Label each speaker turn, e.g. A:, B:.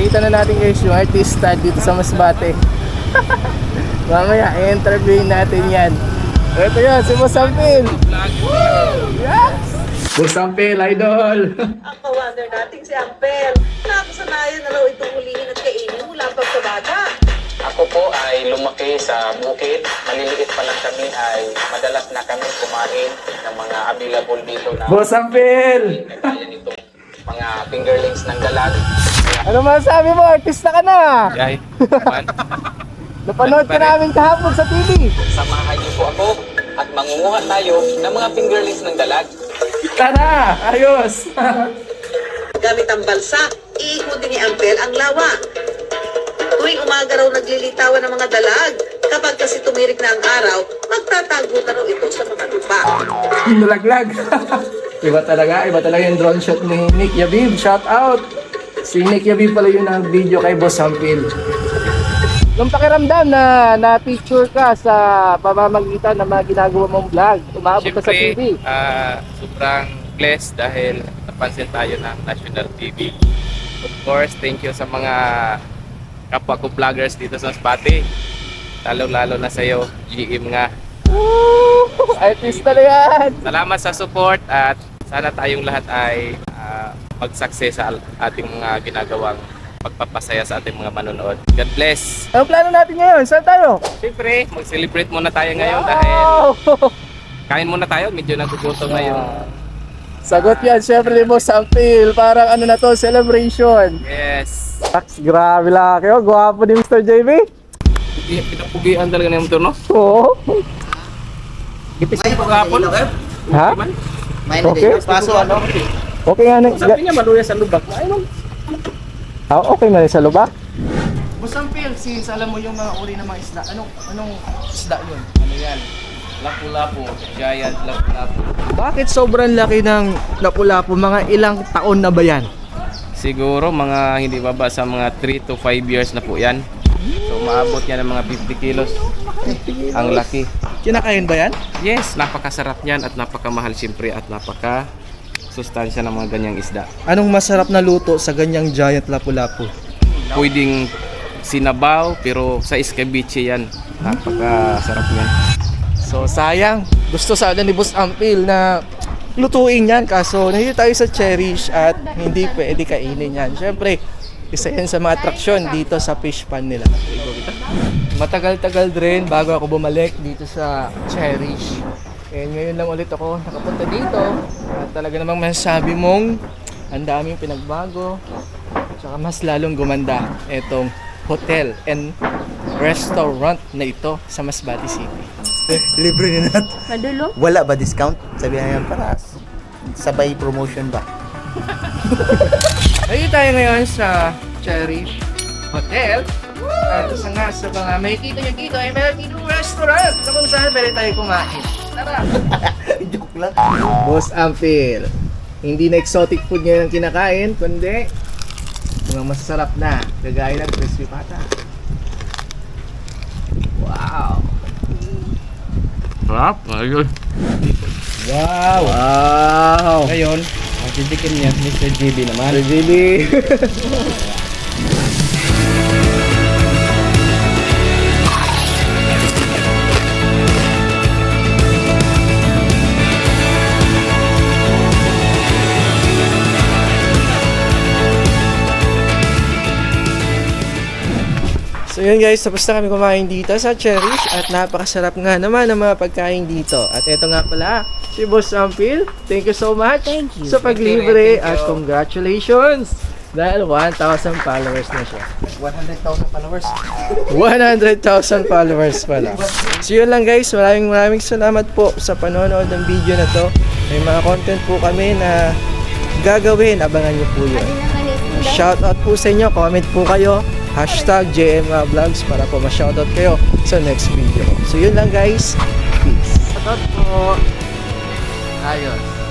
A: Nakita na natin guys yung artista dito sa Masbate. Mamaya, i-interviewin natin yan. Ito yan, si Boss Ampil. Yes! Boss Ampil, idol.
B: Ang kawander nating si Ampel. Nakasanayan na raw itong hulihin at kainin mula pagkabata.
C: Ako po ay lumaki sa bukid. Maliliit pa lang kami ay madalas na kami kumain ng mga available dito na
A: Boss Ampil!
C: kaya nitong mga fingerlings ng dalag.
A: Ano masasabi mo? Artista ka na!
C: Yay, naman.
A: Napanood ka namin kahapon sa TV.
C: Samahan niyo po ako at mangunguha tayo ng mga fingerlings ng dalag.
A: Tara! Ayos!
B: Gamit ang balsa, iikutin ni Ampel ang lawa. Tuwing umaga raw naglilitawan ng mga dalag. Kapag kasi tumirik na ang araw, magtatago na raw ito sa mga lupa.
A: Nalaglag. Iba talaga yung drone shot ni Nick Yabib. Shout out! Si Nick Yabib pala yung nag-video kay Boss Ampil. Nung pakiramdam na na-picture ka sa pamamagitan ng mga ginagawa mong vlog, umabot ka sa TV.
D: Sobrang blessed dahil napansin tayo ng national TV. Of course, thank you sa mga kapwa ko vloggers dito sa Masbate. Lalo-lalo na sa'yo, GM nga.
A: Woo! Artista na yan!
D: Salamat sa support at sana tayong lahat ay mag-success sa ating mga ginagawang pagpapasaya sa ating mga manonood. God bless!
A: Anong plano natin ngayon? Saan tayo?
D: Siyempre, mag-celebrate muna tayo ngayon dahil
A: Wow!
D: kain muna tayo. Medyo nagugutom ngayon.
A: Sagot yan, syempre ni Boss Ampil. Parang ano na to, celebration.
D: Yes!
A: Tax, grabe lang kayo. Gwapo ni Mr. JB.
D: Pinapugian talaga na yung motor, no?
A: Oo.
D: Ipis ko kahapon.
A: Ha? Okay.
B: Paso ano?
A: Okay nga na.
D: Sabi niya maluya sa lubak. Ay,
A: Okay na rin sa lubak.
E: Boss Ampil, since alam mo yung mga uri ng mga isda, anong isda yun?
D: ano yan? Lapu-lapu. Giant lapu-lapu.
A: Bakit sobrang laki ng lapu-lapu? Mga ilang taon na ba yan?
D: Siguro mga hindi baba sa mga 3 to 5 years na po yan. So maabot yan ng mga 50 kilos. Ang laki.
A: Kinakain ba yan?
D: Yes, napakasarap niyan at napakamahal siyempre at napaka sustansya ng mga ganyang isda.
A: Anong masarap na luto sa ganyang giant lapu-lapu?
D: Pwedeng sinabaw pero sa escabeche yan. Napakasarap niyan.
A: So sayang, gusto sana ni Boss Ampil na lutuin yan kaso nandito tayo sa Cherish at hindi pwede kainin yan. Siyempre, isa yan sa mga atraksyon dito sa fish pan nila. Matagal-tagal din bago ako bumalik dito sa Cherish. And ngayon lang ulit ako nakapunta dito at talaga namang masasabi mong ang daming pinagbago at mas lalong gumanda itong hotel and restaurant na ito sa Masbate City.
F: Libre ni Nat.
G: Madulo?
F: Wala ba discount? Sabihan yan para sabay promotion ba?
A: Ayun tayo ngayon sa Cherish Hotel. At isa nga sa mga makikita nyo dito ay meron dito restaurant na kung saan pwede tayo kumain. Tara!
F: Joke lang.
A: Boss Ampil, hindi na exotic food ngayon ang kinakain, kundi mga masasarap na, kagaya ng crispy pata. Wow!
D: Sarap. Ayun.
A: Wow! Wow!
D: Ngayon, ang titikin niya, Mr. JB naman.
A: RGB! So yun guys, tapos na kami kumain dito sa Cherish at napakasarap nga naman ang mga pagkain dito. At eto nga pala, si Boss Ampil, thank you so much sa paglibre at congratulations! Dahil 1,000 followers na siya.
F: 100,000 followers.
A: 100,000 followers pala. So yun lang guys, maraming salamat po sa panonood ng video na to. May mga content po kami na gagawin, abangan nyo po yun. Shoutout po sa inyo, comment po kayo. Hashtag JMA Vlogs para po ma-shoutout kayo sa next video. So yun lang guys. Peace. Shoutout po. Ayos.